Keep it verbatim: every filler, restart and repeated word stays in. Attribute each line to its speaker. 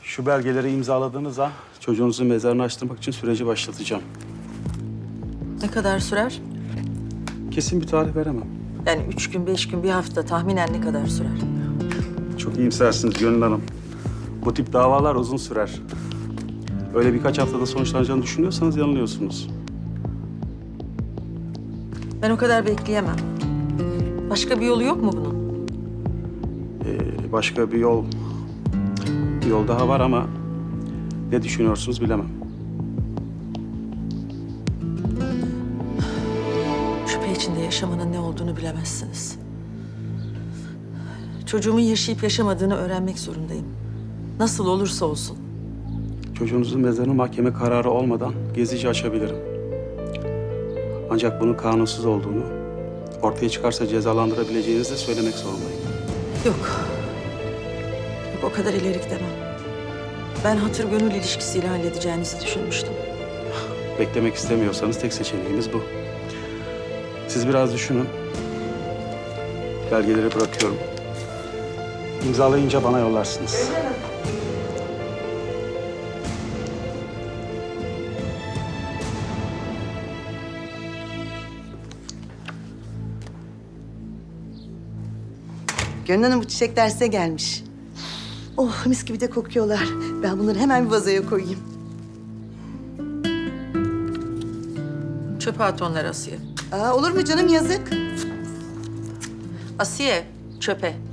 Speaker 1: Şu belgeleri imzaladığınız an çocuğunuzun mezarını açtırmak için süreci başlatacağım.
Speaker 2: Ne kadar sürer?
Speaker 1: Kesin bir tarih veremem.
Speaker 2: Yani üç gün, beş gün, bir hafta tahminen ne kadar sürer?
Speaker 1: Çok iyimsersiniz Gönül Hanım. Bu tip davalar uzun sürer. Öyle birkaç haftada sonuçlanacağını düşünüyorsanız yanılıyorsunuz.
Speaker 2: Ben o kadar bekleyemem. Başka bir yolu yok mu bunun?
Speaker 1: Ee, başka bir yol... Bir yol daha var ama ne düşünüyorsunuz bilemem.
Speaker 2: Şüphe içinde yaşamanın ne olduğunu bilemezsiniz. Çocuğumun yaşayıp yaşamadığını öğrenmek zorundayım. Nasıl olursa olsun.
Speaker 1: Çocuğunuzun mezarını mahkeme kararı olmadan gezici açabilirim. Ancak bunun kanunsuz olduğunu, ortaya çıkarsa cezalandırabileceğinizi de söylemek zorundayım.
Speaker 2: Yok. Yok, o kadar ileri gidemem. Ben hatır gönül ilişkisiyle halledeceğinizi düşünmüştüm.
Speaker 1: Beklemek istemiyorsanız tek seçeneğimiz bu. Siz biraz düşünün. Belgeleri bırakıyorum. İmzalayınca bana yollarsınız.
Speaker 3: Gönül Hanım bu çiçekler size gelmiş. Oh mis gibi de kokuyorlar. Ben bunları hemen bir vazoya koyayım.
Speaker 2: Çöpe at onları Asiye.
Speaker 3: Aa, olur mu canım yazık.
Speaker 2: Asiye, çöpe.